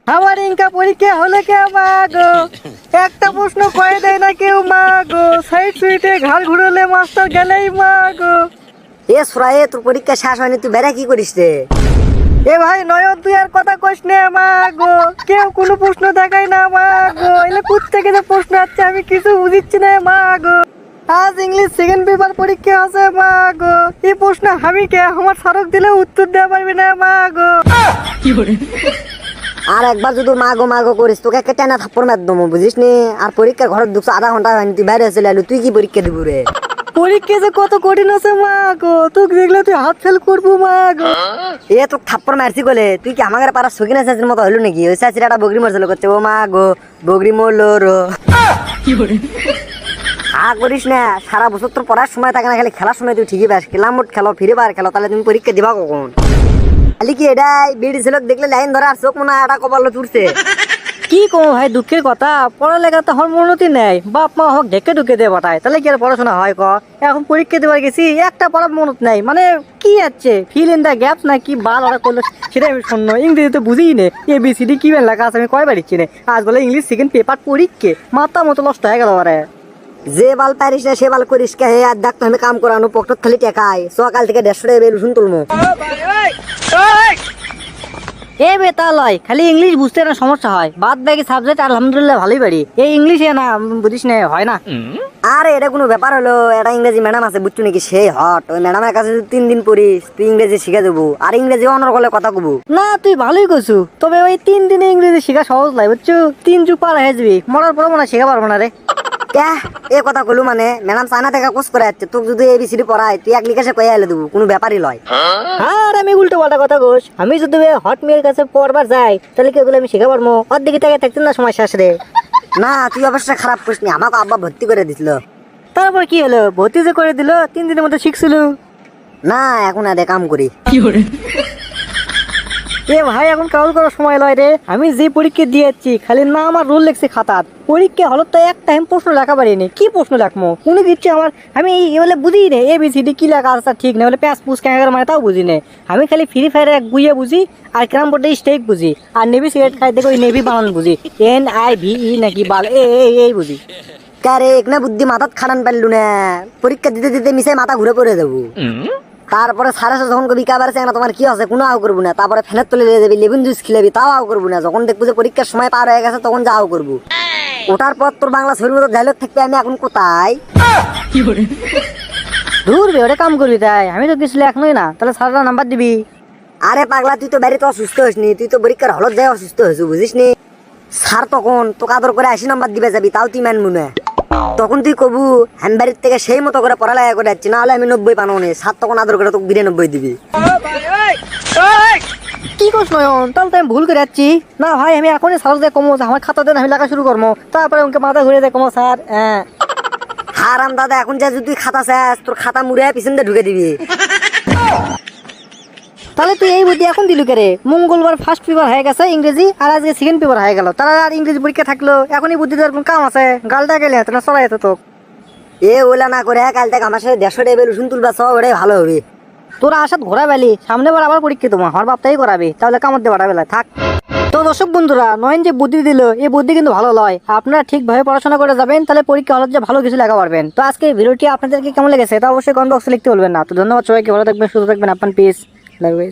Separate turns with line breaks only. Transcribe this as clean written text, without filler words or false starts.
আমার ইনকা পরীক্ষা হলে কে মা গো, একটা প্রশ্ন কয়ে দেয় না কেউ মা গো, সাইড সুইটে ঘাড় ঘুরলে মাস্টার গেলেই মা গো।
এ সুরায়ে, তোর পরীক্ষা শেষ হয়নি, তুই বেড়া কি করিস রে?
এ ভাই নয়ন তুই আর কথা কইস না মা গো, কেউ কোনো প্রশ্ন দেখায় না মা গো, এলে কোথ থেকে যে প্রশ্ন আছে আমি কিছু বুঝিচ্ছি না মা গো। আজ ইংলিশ সেকেন্ড পেপার পরীক্ষা আছে মা গো, এই প্রশ্ন আমি কে আমার স্মারক দিলে উত্তর দেওয়া পারবি না মা গো।
আর একবার যদি মাগো করিস তোকে একটা টেনা থাপ্পড় মার দমো, বুঝিস নি? আর পরীক্ষা ঘরে ঢুকছো আধা ঘন্টা হয়নি, তুই বাইরে চলে এলো, তুই কি পরীক্ষা দিব রে?
পরীক্ষা যে কত কঠিন আছে মা গো, তোকে দেখলে তুই হাত ফেল করবো মা গো।
এ তোকে থাপ্পড় মারছি বলে তুই কি আমাদের পাড়ার সকিনা চাচির মতো হলো নাকি? ওই চাচির একটা বগরি মরছিল করছে, ও মা গো বগরি মরলো রো। হা করিস না, সারা বছর তোর পড়ার সময় থাকে না, খালি খেলার সময় তুই ঠিকই পাস। খেলাম মোট খেলো, ফিরে বার খেলো, তাহলে তুমি পরীক্ষা দিবা কখন? খালি কি এটাই বিড়ি ছিল দেখলে লাইন ধরে আর চোখ মনে হয় এটা কপালে চুরছে।
কি কম ভাই, দুঃখের কথা, পড়ালেখা তো আমার উন্নতি নেই, বাপ মা হোক ঢেকে ঢুকে দিয়ে পাঠায়, তাহলে কি আর পড়াশোনা হয় ক? এখন পরীক্ষা দেবার গেছি, একটা পড়ার মনত নাই, মানে কি আছে ফিল ইন দ্য গ্যাপস না কি বাল ওরা করলো সেটাই আমি শূন্য, ইংরেজি তো বুঝিই নে, ABCD কি লেখা আছে আমি কয়বার দিচ্ছি না, আজ বলে ইংলিশ সেকেন্ড পেপার পরীক্ষা, মাথা মতো নষ্ট হয়ে গেল আরে।
যে বাল পারিস না সে বাল করিস কে হে? আর দেখতো আমি কাম করানো পকেট খালি টেকাই, সকাল থেকে 150 টাকা বের শুন তুলমু।
এ বেতা লয়, খালি ইংলিশ বুঝতে না সমস্যা হয়, বাদ বাকি সাবজেক্ট আলহামদুলিল্লাহ ভালোই পারি, এই ইংলিশে না বুঝিস না হয় না।
আরে এটা কোনো ব্যাপার হলো? এটা ইংরেজি ম্যাডাম আছে বুঝছো নাকি, সেই হট, ওই ম্যাডামের কাছে তুই 3 দিন পড়িস, তুই ইংরেজি শিখে দেবো, আর ইংরেজি অনর গলে কথা কবু।
না তুই ভালোই করছু, তবে ওই 3 দিনে ইংরেজি শেখা সহজ লাগে বুঝছো, 3 যুগ পার হয়ে যাবি, মরার পরে মনে হয় শেখা পারবো না রে।
এ কথা কলু মানে ম্যাডাম চায়না থেকে কোর্স করে যাচ্ছে, তোকে যদি ABCD পড়ায় তুই এক লিখে কয়ে এলে দেবো, কোনো ব্যাপারই লয়।
আর আমি উল্টো পাল্টা কথা কোস, আমি যদি হট মেয়ের কাছে পড়বার যাই তাহলে কি ওগুলো আমি শেখা পারবো? অর্ধেক থেকে থাকতেন না সময় শেষ রে।
না তুই অবশ্যই খারাপ করিস নি, আমাকে আব্বা ভর্তি করে দিছিল।
তারপর কি হলো, ভর্তি যে করে দিল, 3 দিনের মধ্যে শিখছিল।
না এখন আর কাম করি।
এ ভাই এখন কাউল করার সময় লয় রে, আমি যে পরীক্ষা দিয়েছি খালি না আমার রোল লেখছে খাতার, পরীক্ষা হলো তো একটা আমি প্রশ্ন লেখা পারিনি, কি প্রশ্ন লেখবো কোনো দিচ্ছে আমার, আমি বলে বুঝি নে ABCD কি লেখা আছে ঠিক না, বলে প্যাঁচ পুষ ক্যাঙ্গার মানে তাও বুঝি নে, আমি খালি ফ্রি ফায়ার এক বুঝিয়ে বুঝি, আর ক্যারাম বোর্ডে স্টেক বুঝি, আর নেভি সিগারেট খাই দেখো ওই নেভি বানান বুঝি, NIVE নাকি বাল এই বুঝি।
কারে এক না বুদ্ধি মাথাত খাটান পারলু না, পরীক্ষা দিতে দিতে মিশে মাথা ঘুরে পড়ে যাবো। তারপরে সাড়ে যখন কবি কাবার না তোমার কি আছে কোনো আও করবো না, তারপরে ফ্যানের তলে নিয়ে যাবি, লেবুন জুস খিলাবি, তাও আও করবো না, যখন দেখবো যে পরীক্ষার সময় পার হয়ে গেছে তখন যাও করবো। ওটার পর তোর বাংলা ছবির মতো ডায়লগ থাকবে, আমি এখন কোথায়?
দূর বে ওটা কাম করবি তাই, আমি তো কিছু লেখনই না, তাহলে সারাটা নাম্বার দিবি।
আরে পাগলা, তুই তো বাড়িতে অসুস্থ হসনি, তুই তো পরীক্ষার হলত যাই অসুস্থ হয়েছু, বুঝিস নি? স্যার তখন তোকে আদর করে 80 নাম্বার দিবে যাবি, তাও তুই মানবু না, তখন তুই কবু হ্যান বাড়ির থেকে সেই মতো করে পড়ালেখা করে যাচ্ছি, না হলে আমি 90 পানো নি, স্যার তখন আদর করে তোকে 92 দিবি।
কি করছ নয়ন, তাহলে তো আমি ভুল করে যাচ্ছি। না ভাই আমি এখনই স্যার দিয়ে কমো, আমার খাতা দেন আমি লেখা শুরু করবো, তারপরে ওকে মাথা ঘুরে দেয় কমো স্যার।
হারাম দাদা, এখন যা যদি খাতা শেষ, তোর খাতা মুড়ে পিছন দিয়ে ঢুকে দিবি।
তাহলে তুই এই বুদ্ধি এখন দিলু কে? মঙ্গলবার ফার্স্ট পেপার হয়ে গেছে ইংরেজি, আর আজকে সেকেন্ড পেপার হয়ে গেল, তারা আর ইংরেজি পরীক্ষা থাকলো, এখনই বুদ্ধি দেওয়ার কোন কাম আছে? গালটা গেলে তোরা সরাই তো তোক।
ওলা না করে কাল থেকে আমার সাথে 150 টেবিল রসুন তুলবা, সব ওটাই ভালো হবে।
তোরা আসাদ ঘোরা বেলি, সামনে বার আবার পরীক্ষা তোমার আমার বাপটাই করাবি, তাহলে কামড় দিয়ে বাড়া বেলা থাক। তো দর্শক বন্ধুরা, নয়ন যে বুদ্ধি দিল এই বুদ্ধি কিন্তু ভালো লয়, আপনারা ঠিকভাবে পড়াশোনা করে যাবেন, তাহলে পরীক্ষা হলে যে ভালো কিছু লেখা পারবেন। তো আজকে ভিডিওটি আপনাদেরকে কেমন লেগেছে তা অবশ্যই কমেন্ট বক্সে লিখতে বলবেন না। তো ধন্যবাদ সবাইকে, ভালো থাকবেন, সুস্থ থাকবেন, আপনার পিস।